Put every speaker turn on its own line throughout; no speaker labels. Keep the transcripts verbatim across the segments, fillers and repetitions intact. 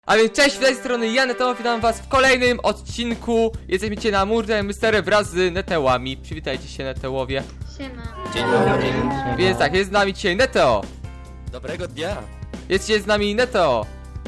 A więc cześć, z tej strony ja, Neteo, witam was w kolejnym odcinku. Jesteśmy dzisiaj na Murder Mystery wraz z Netełami. Przywitajcie się, Netełowie.
Siema.
Dzień dobry.
Więc tak, jest z nami dzisiaj Neteo.
Dobrego dnia.
Jest dzisiaj z nami Neteo.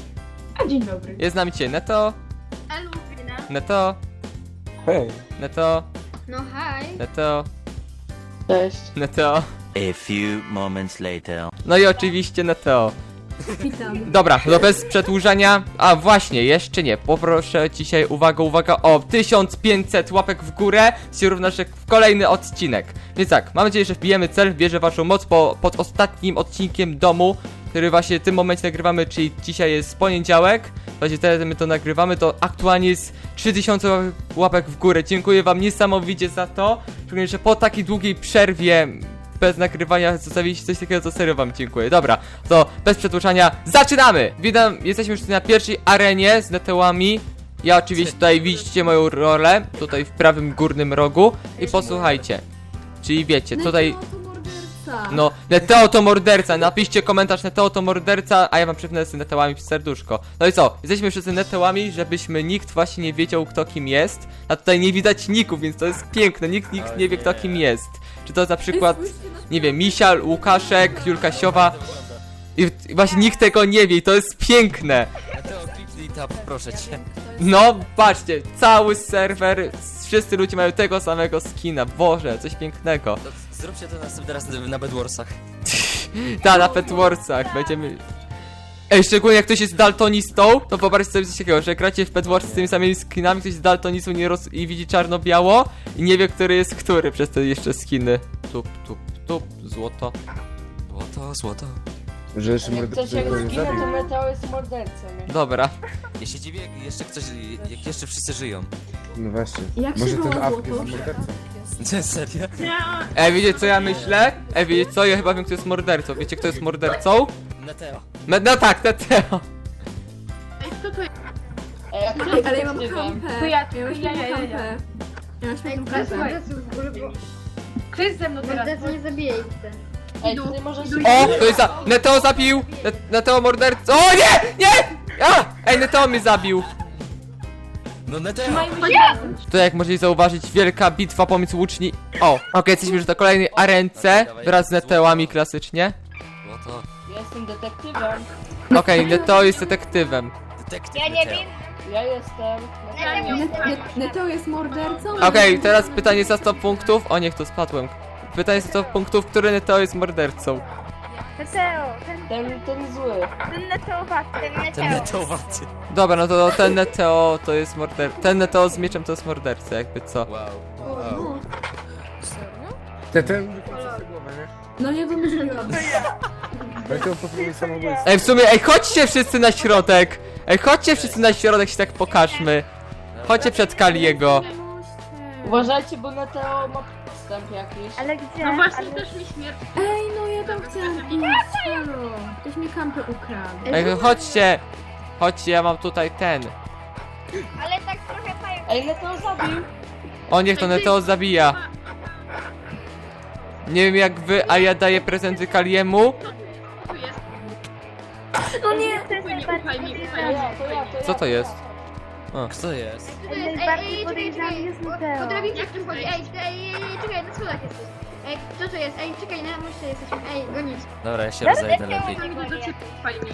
A dzień dobry.
Jest z nami dzisiaj Neteo.
Alubina.
Neteo.
Hej.
Neteo.
No haj.
Neteo.
Cześć.
Neteo.
A few moments later.
No i oczywiście Neteo.
Witam.
Dobra, no bez przedłużania. A właśnie, jeszcze nie. Poproszę dzisiaj, uwaga, uwaga, o tysiąc pięćset łapek w górę. Się równa się w kolejny odcinek. Więc tak, mam nadzieję, że wbijemy cel. Wierzę w waszą moc po, pod ostatnim odcinkiem domu, który właśnie w tym momencie nagrywamy, czyli dzisiaj jest poniedziałek. Właśnie teraz my to nagrywamy, to aktualnie jest trzy tysiące łapek w górę. Dziękuję wam niesamowicie za to. Szczególnie, że po takiej długiej przerwie bez nagrywania zostawiliście coś takiego, co serio wam dziękuję. Dobra, to bez przedłużania zaczynamy! Witam, jesteśmy już na pierwszej arenie z Netełami. Ja oczywiście tutaj widzicie moją rolę, tutaj w prawym górnym rogu. I posłuchajcie, czyli wiecie, tutaj... No, Neteo to morderca, napiszcie komentarz Neteo to morderca, a ja wam przypnę z Netełami w serduszko. No i co, jesteśmy wszyscy Netełami, żebyśmy nikt właśnie nie wiedział, kto kim jest. A tutaj nie widać ników, więc to jest piękne, nikt, nikt nie wie, kto kim jest. Czy to na przykład, nie wiem, Misia, Łukaszek, Julka Siowa. I, I właśnie nikt tego nie wie i to jest piękne.
Mateo, kliknij tab, proszę cię.
No, patrzcie, cały serwer, wszyscy ludzie mają tego samego skina, Boże, coś pięknego.
To zróbcie to następny raz na Bedwarsach.
Ta, na Petwarsach będziemy... Ej, szczególnie jak ktoś jest daltonistą, to wyobraźcie sobie coś takiego, że gracie w Petwars z tymi samymi skinami, ktoś jest daltonistą nie roz... i widzi czarno-biało i nie wie, który jest który przez te jeszcze skiny. Tup, tup, tup, złoto.
Złoto, złoto.
Że jeszcze
Jak
mordercy
ktoś jak
go nie
zginął, to
zabił.
Meteo jest mordercą. nie?
Dobra.
Ja się dziwię, jak jeszcze ktoś, jak jeszcze wszyscy żyją.
No właśnie.
Jak
Może
się
ten
było
Afk
złoto?
jest mordercą.
Nie, serio?
Ej, wiecie co ja myślę? Ej, wiecie co? Ja chyba wiem, kto jest mordercą. Wiecie, kto jest mordercą?
Neteo.
Me no tak, Neteo.
Ej, jak
Ej, ale ja mam
detektywem?
kampę.
To ja,
Ja mam
ja, ja, ja,
świetną
ja.
kampę. Ja mam świetną
Bez
kampę.
morderców w ogóle, bo... Kto jest ze mną teraz? Mordercy nie zabijajcie.
Ej, ty możesz...
O, to jest za... Neteo zabił! Net Neteo mordercą. O nie! Nie! A! Ej, Neteo mnie zabił.
No Neteo!
To jak możecie zauważyć, wielka bitwa pomiędzy łuczni... O, okej, jesteśmy już na kolejnej arence wraz z Netełami klasycznie.
Złoto.
Ja jestem detektywem.
Okej, Neteo jest detektywem.
Detektyw
Ja nie
Neteo.
wiem.
Ja jestem...
Net- Net- Neteo jest mordercą?
Okej, teraz pytanie za sto punktów. O nie, to spadłem. Pytanie za sto punktów, który Neteo jest mordercą.
Neteo, ten,
Ten, ten zły.
ten neteowaty. Ten
Ten Neteowaty.
Dobra, no to ten Neteo to jest morderca. Ten Neteo z mieczem to jest morderca, jakby co.
Wow. Wow.
Ten, ten wykończy głowę, nie?
No nie wymyśliłam.
Będą popełnić samobójstwo.
Ej, w sumie, ej, chodźcie wszyscy na środek! Ej, chodźcie wszyscy na środek, się tak pokażmy. Chodźcie przed Kaliego.
Uważajcie, bo Neteo ma podstęp jakiś.
Ale gdzie?
No właśnie,
Ale...
też mi śmierć.
Ej, no ja tam chciałam iść. Halo. Ktoś mi kampę ukradł.
Ej, chodźcie! Chodźcie, ja mam tutaj ten.
Ale tak trochę pająk.
Ej, Neteo zabił.
O, niech to Neteo zabija. Nie wiem jak wy, a ja daję prezenty Kaliemu.
Tu jest.
No nie.
Ufaj mi, ufaj mi,
To
ufaj mi.
ja, to ja, to ja.
Co to jest?
Kto jest?
Najbardziej podejrzany jest Neteo.
Potraficie jak tym chodzi?
Ej, ej, ej, ej, czekaj, na schodach jesteś. Ej, co to jest? Ej, czekaj, na moście jesteśmy. Ej, gonić.
Dobra, ja się rozejdę lepiej.
Nigdy do ciebie, ufaj mi.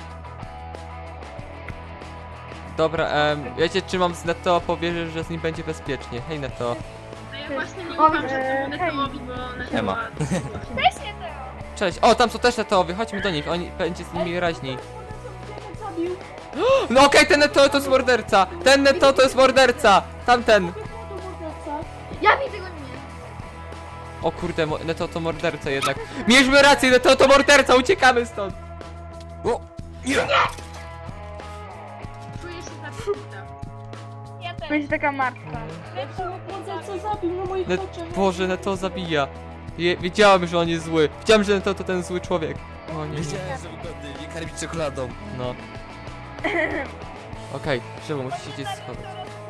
Dobra, em, wiecie czy mam z Neteo powierzyć, że z nim będzie bezpiecznie. Hej Neteo.
A ja właśnie nie
O,
ufam
e,
żadnemu Neteowi, bo
Nie ma.
Neteo...
Cześć, Neteo.
Cześć. O, tam są też Neteowie, chodźmy do nich, oni będzie z nimi raźniej. No okej, ten Neteo to jest morderca! Ten Neteo to jest morderca! Tamten!
Ja widzę go nie.
O kurde, mo- Neteo to morderca jednak. Mieliśmy rację, Neteo to morderca, uciekamy stąd! O!
Czuję się zabita.
Ja też. Będzie taka martwa.
Co zabił na moich
Net
oczach?
Boże, Neteo zabija. Je wiedziałem, że on jest zły. Wiedziałem, że Neteo to ten zły człowiek. O nie, nie.
Wiedziałem, że wygodny, nie karmić czekoladą.
No. Okej, Krzywo, musisz się gdzieś schować.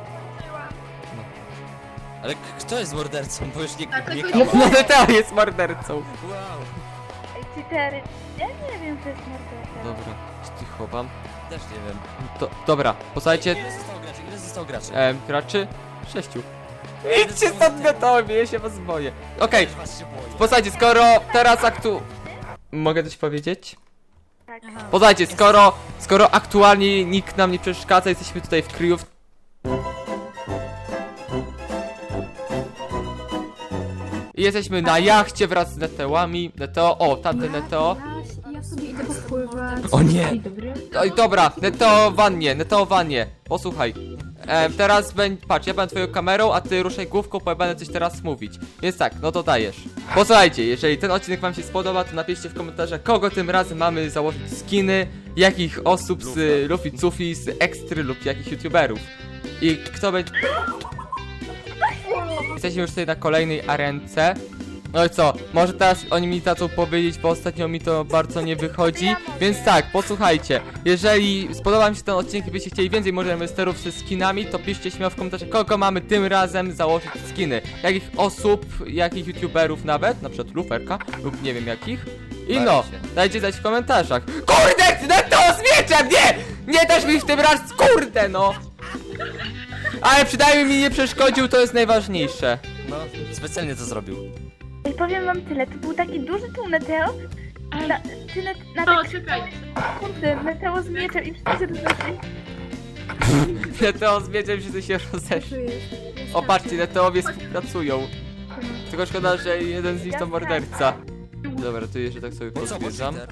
Ale k- kto jest mordercą? Bo już nie,
Tak,
nie
tylko-
kama.
No Neteo jest mordercą.
Wow.
Ej, cytery. Ja nie wiem, co jest morderca.
Dobra, cicho wam.
Też nie wiem.
To, dobra, posłuchajcie,
Ile zostało graczy? Ile zostało graczy?
e, graczy? Sześciu. Idźcie stąd gotowi, ja się was boję. Okej,
Też was się boję.
posłuchajcie, skoro teraz aktu... Mogę coś powiedzieć? Posłuchajcie, skoro, skoro aktualnie nikt nam nie przeszkadza, jesteśmy tutaj w kryjów. I jesteśmy na jachcie wraz z Netełami. Neteo, o, tamten Neteo.
Ja, ja sobie idę popływać.
O nie!
Dzień dobry.
Oj, dobra, Neteo wannie, Neteo wannie. Posłuchaj. E, teraz będzie, patrz, ja będę twoją kamerą, a ty ruszaj główką, bo ja będę coś teraz mówić. Więc tak, no to dajesz. Posłuchajcie, jeżeli ten odcinek wam się spodoba, to napiszcie w komentarzach, kogo tym razem mamy założyć skiny, jakich osób z Luffy Cufi, z Ekstry lub jakich youtuberów. I kto będzie... Jesteśmy już tutaj na kolejnej arence. No i co, może teraz oni mi dadzą powiedzieć, bo ostatnio mi to bardzo nie wychodzi. Więc tak, posłuchajcie, jeżeli spodoba mi się ten odcinek i byście chcieli więcej może mysterów ze skinami, to piszcie śmiało w komentarzach, kogo mamy tym razem założyć skiny. Jakich osób, jakich youtuberów nawet, na przykład Luferka lub nie wiem jakich. I no, dajcie znać w komentarzach. Kurde, no to z mieczem, nie! Nie też mi w tym raz, kurde no! Ale przynajmniej mi nie przeszkodził, to jest najważniejsze.
No, specjalnie to zrobił.
I powiem wam tyle, to był taki duży tu Neteo, na, ty net, na
To,
tak
czekaj.
sekundę, Neteo z mieczem i wszyscy się rozeszli.
Neteo z mieczem się tu się rozeszli. O patrzcie, Neteowie współpracują. Tylko szkoda, że jeden z nich to morderca. Dobra, tu jeszcze tak sobie
No co,
pozbierzam.
Peter?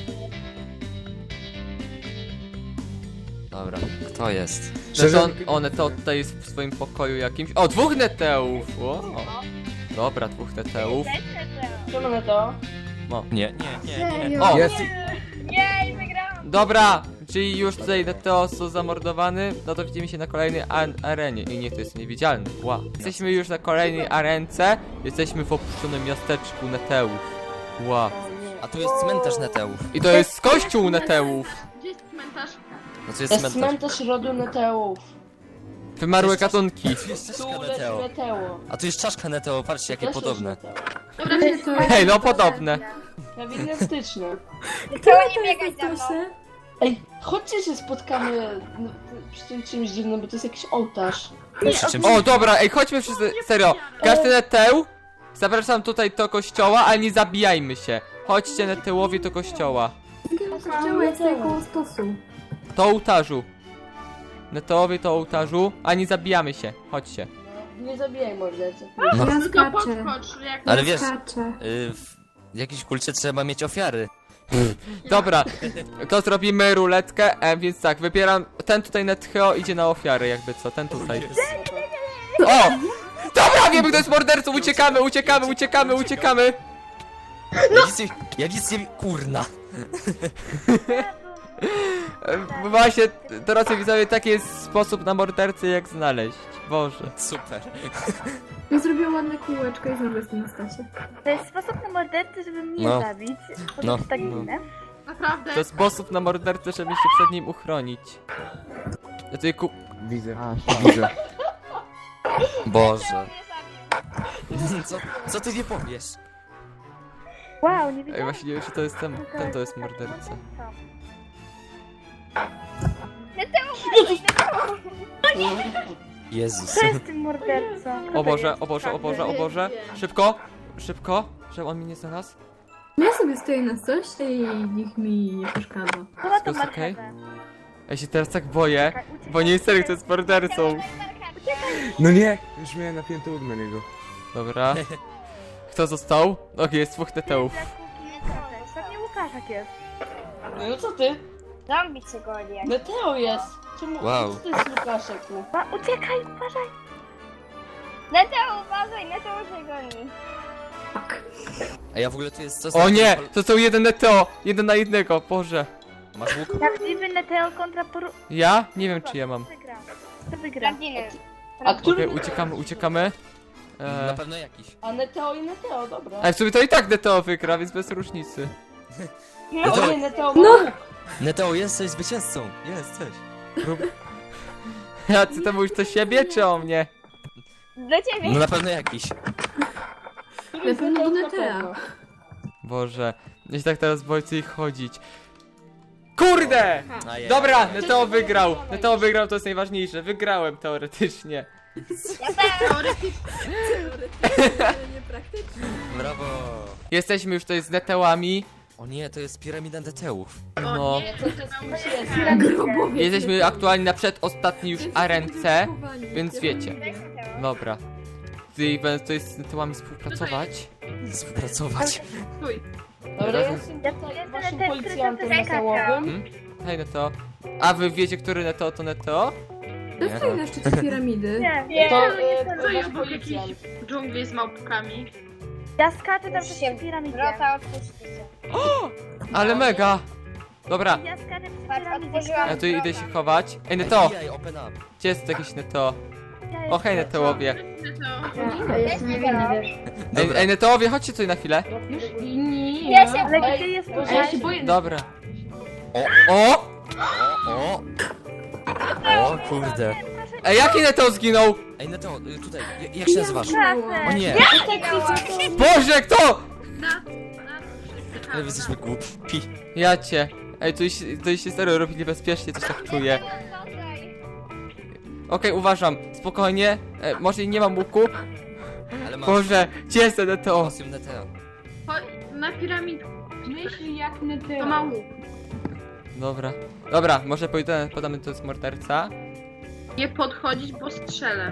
Dobra, kto jest?
Neteo, o, Neteo tutaj jest w swoim pokoju jakimś. O, dwóch Neteów! O. Dobra, dwóch Neteów.
Czemu Neteo?
Nie, nie, nie, nie.
Serio?
O,
Jest.
Jej, wygrałam!
dobra! Czyli już tutaj Neteo są zamordowany, no to widzimy się na kolejnej an- arenie. I niech to jest niewidzialny. Wow. Jesteśmy już na kolejnej arence. Jesteśmy w opuszczonym miasteczku Neteów. Wow.
A tu jest cmentarz Neteów.
I to jest kościół Neteów.
Gdzie jest cmentarz?
No to jest
To jest
cmentarz.
cmentarz rodu Neteów.
Wymarłe gatunki.
Tu jest
Tu
czaszka
leży
Neteo.
Neteo.
A tu jest czaszka Neteo, patrzcie jakie
Też
podobne.
leży Neteo.
Dobra,
Gdzie to jest?
Hej, no podobne.
Nawigastyczne.
Neteo nie biegać za mną!
Stosy?
Ej, chodźcie się spotkamy no, przy tym czymś dziwnym, bo to jest jakiś ołtarz.
Przy czymś...
O, dobra, ej, chodźmy wszyscy, serio. Każdy Neteu, zapraszam tutaj do kościoła, ale nie zabijajmy się. Chodźcie Netełowie do kościoła.
Kościoła jest tutaj koło stosu.
Do ołtarzu. Netełowie to ołtarzu, a nie zabijamy się. Chodźcie.
No, nie zabijaj mordercy.
No.
Ja
tylko
skaczę.
podskocz, jak...
Ale
Ja
wiesz,
skaczę.
y, w jakiejś kulcie trzeba mieć ofiary.
Dobra, to zrobimy ruletkę, e, więc tak, wybieram, ten tutaj Neteo idzie na ofiarę, jakby co, ten tutaj. O! Dobra, wiemy kto jest mordercą, uciekamy, uciekamy, uciekamy, uciekamy.
Ja nic nie... Ja nic nie... Kurna.
E, Właśnie, drodzy widzowie, taki jest sposób na mordercę, jak znaleźć. Boże.
Super.
I zrobię ładne kółeczko i znowu jestem na stacie.
To jest sposób na mordercę, żeby mnie
No.
zabić. Po
No.
prostu tak
No.
ginę.
Naprawdę.
To sposób na mordercę, żeby się przed nim uchronić. Ja tutaj ku...
Widzę, widzę.
Boże. Co, co ty nie powiesz?
Wow, nie
Ej,
wiedziałam.
właśnie nie wiem, czy to jest ten, ten to jest morderca.
Jezus.
Co jest tym mordercą? Kto
O
to
Boże,
jest?
o Boże, o Boże, o Boże. Szybko, szybko, żeby on mnie nie znalazł.
No ja sobie stoję na stosie i nikt mi nie przeszkadza.
Kto ma tą
Wszystko okej?
marchewę?
Ja się teraz tak boję, bo nie jestem kto jest mordercą.
No nie, już miałem napięty łuk na niego.
Dobra. Kto został? Okej, jest dwóch Neteów.
Pewnie Łukaszek jest.
No co ty?
Zombie cię goni.
Neteo jest. Czemu?
Wow.
Co to jest Lukaszek? No?
Ma, uciekaj, uważaj! Neteo, uważaj, Neteo cię goni.
Tak.
A ja w ogóle tu jest... Co
O nie! To są jeden Neteo! Jeden na jednego, Boże.
Masz łuk?
Prawdziwy Neteo kontra poru...
Ja? Nie wiem czy ja mam.
Wygra. Kto wygra?
A który?
Okej, uciekamy, uciekamy.
Na
Eee,
pewno jakiś.
A Neteo i Neteo, dobra.
ale w sumie to i tak Neteo wygra, więc bez różnicy.
O nie, Neteo ma łuk.
Neteo, jesteś zwycięzcą. Jesteś.
A ty to mówisz do siebie czy o mnie?
Dla ciebie.
No na pewno jakiś.
Który jest
Na pewno
Neteo
do
na
Netea.
pewno.
Boże, ja się tak teraz boję co ich chodzić. Kurde!
Ajej.
Dobra, Neteo wygrał. Neteo wygrał, to jest najważniejsze. Wygrałem teoretycznie.
Brawo.
Jesteśmy już tutaj z Netełami.
O nie, to jest piramida Neteów.
No.
Co to jest?
Grobowiec.
Jesteśmy aktualnie na przedostatniej już arence, więc wiecie. Dobra. Tutaj będę tutaj z Netełami współpracować.
Współpracować.
Stój.
Dobra, ja
Ja
jestem
to
tutaj
jestem
waszym
ten,
policjantem
który to
metełowym.
Hmm? Hej Neteo. A wy wiecie, który Neteo to Neteo?
To stoi na szczycie piramidy.
Nie,
To
nie,
e,
Co
to
ja
wasz
był jakiś
policjant.
w dżungli z małpkami?
ja skaczę tam przez piramidę.
Ale mega! Dobra,
Ja skaczę przez piramidę.
ja tu idę się chować. Ej Neteo,
Ej, open up.
gdzie jest jakiś Neteo?
Ja
O hej Netełowie.
To
Ja jestem niewinny, wiesz.
Ej, ej Netełowie, chodźcie tutaj na chwilę.
Już i nie.
Ale
Ej,
gdzie jest
a ja się boję.
Dobra. O!
O! O kurde.
Ej, jaki Neteo zginął?
Ej, Neteo, y, tutaj, j- jak się nazywasz? O nie,
Boże, kto?
Na, na,
ale wy jesteśmy głupi.
Ja cię. Ej, tu się, tu się serio robi niebezpiecznie, coś tak czuję. Okej, uważam, spokojnie. E, może nie mam łuku.
Ale masz
Boże, gdzie jest ten Neteo?
kostium Neteo.
na piramidku.
Myśli jak
To
Neteo.
ma łuk.
Dobra. Dobra, może podamy, podamy to z morderca.
Nie podchodzić, bo strzelę.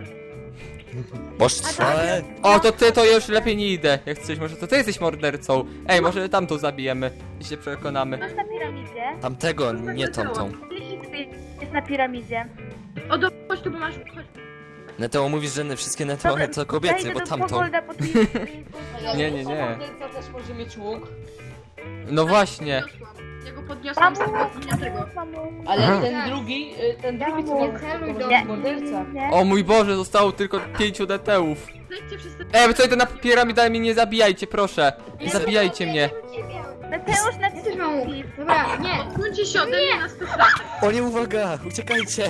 Boże,
O, to ty, to ja już lepiej nie idę. Jak coś, może to ty jesteś mordercą. Ej, może tamtą zabijemy i się przekonamy.
Masz na piramidzie?
tamtego, nie tamtą.
I ty jest na piramidzie.
O, do, chodź tu, bo masz... Chodź.
Neteo mówisz, że wszystkie Neteo
Dobra,
to kobiety,
Zajdę
bo
do
tamtą.
Pogolda po twój-
Nie, nie, nie.
Morderca też może mieć łuk.
No właśnie.
Podniosłam. Ja go podniosłam z tego, nie tego.
Ale
Aha.
ten drugi, y, ten drugi co
Nie
ma
celuj
to
do
może
Nie.
morderca.
Nie.
O mój Boże, zostało tylko pięciu Neteów.
Zejdźcie wszyscy.
Ej, wy co idę na piramidami, mnie nie zabijajcie, proszę. Nie zabijajcie mnie.
Mateusz na
Też mam łuk. Dobra, nie.
Odsuńcie się ode mnie na sto kratek.
O nie, uwaga, uciekajcie.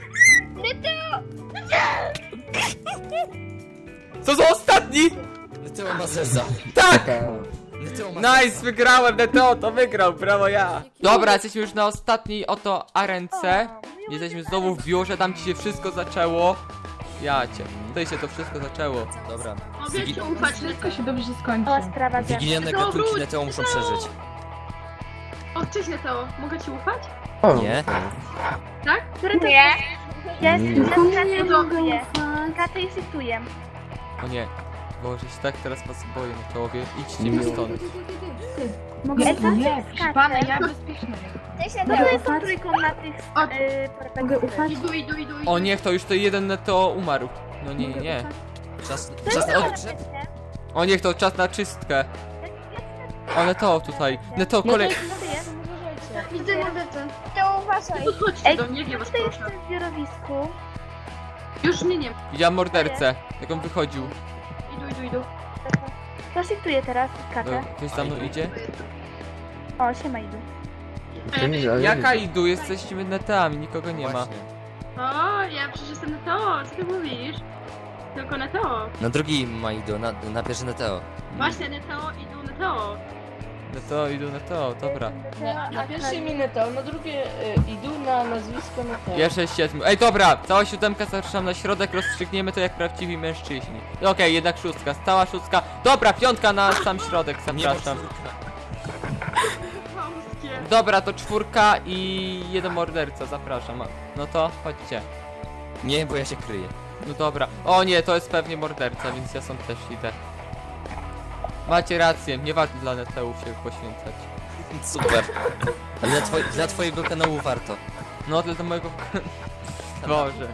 Co za ostatni?
Neteo ma zeza.
Tak!
Neteo ma
Nice, wygrałem, Neteo to wygrał, brawo ja. Dobra, jesteśmy już na ostatniej oto arence. Jesteśmy znowu w biurze, tam ci się wszystko zaczęło. Ja cię, tutaj się to wszystko zaczęło.
Dobra.
Mogę ci ufać, tylko się dobrze
O, sprawa za...
Wigilianne
No,
gatunki
wróć,
Neteo muszą
no.
przeżyć.
O, cześć Neteo, mogę ci ufać?
O,
Nie?
Tak?
Który to jest? Ja jestem, ja
Komu
skaczę
nie
i
mogę
shiftuję.
ufać?
Skaczę i shiftuję.
O nie, Boże, się tak teraz was boję, Neteowie. Idźcie mi stąd.
Mogę
Ej,
ufać?
nie, skaczę.
ja bezpieczna.
No to jest tą trójką na tych...
O,
Yy,
Mogę ufać?
Idu, idu, idu, idu.
O niech to już to jeden Neteo umarł. No nie, nie, nie.
Czas,
To
czas
jest
na
to
odgrzeb?
O niech to czas na czystkę. O Neteo tutaj. Neteo
No to
kolej.
jest morderca, uważajcie.
Widzę mordercę.
Podchodźcie
Ej,
do mnie, nie was
tutaj jest
proszę.
w zbiorowisku.
Już mnie nie ma.
Widziałem mordercę, jak on wychodził.
Idu, idu, idu.
To shiftuję teraz i
No,
skaczę.
ktoś za mną idzie?
O, siema idu.
to nie, ale
Jaka idu? Jesteśmy Neteami, nikogo nie ma.
Właśnie.
O, ja przecież jestem Neteo, co ty mówisz? Tylko Neteo.
Na drugi ma ido, na, na pierwszy Neteo.
Właśnie Neteo, idu, Neteo.
Neteo, idu Neteo, dobra.
Na, na pierwszej mi Neteo, na drugie y, idu na nazwisko Neteo.
Jeszcze siedmiu. Ej, dobra, cała siódemka zapraszam na środek, rozstrzygniemy to jak prawdziwi mężczyźni. Okej, jednak szóstka, stała szóstka. Dobra, piątka na sam środek, zapraszam.
Polskie.
Dobra, to czwórka i jeden morderca, zapraszam. No to chodźcie.
Nie, bo ja się kryję.
No dobra. O nie, to jest pewnie morderca, więc ja sam też idę. Macie rację, nie warto dla Neteów się poświęcać.
Super. Ale dla, twoj, dla twojego kanału warto.
No, dla mojego... Boże.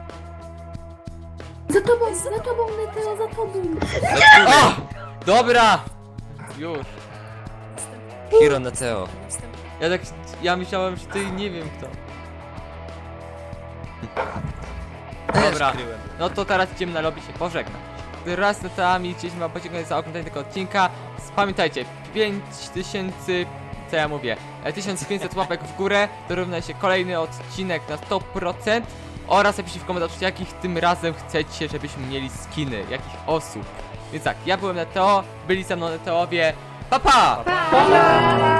Za tobą, za tobą, Neteo, za tobą.
O! Dobra! Już.
Hiro Neteo.
Ja tak... Ja myślałem, że ty nie wiem kto. Dobra.
Kryłem.
No to teraz idziemy na lobby się pożegnać. Raz z Neteami chcieliśmy wam podziękować za oglądanie tego odcinka. Pamiętajcie, pięć tysięcy... Co ja mówię? E, tysiąc pięćset łapek w górę to równa się kolejny odcinek na sto procent. Oraz napiszcie w komentarzu, jakich tym razem chcecie, żebyśmy mieli skiny, jakich osób. Więc tak, ja byłem Neteo, byli ze mną Neteowie. Pa pa!
Pa!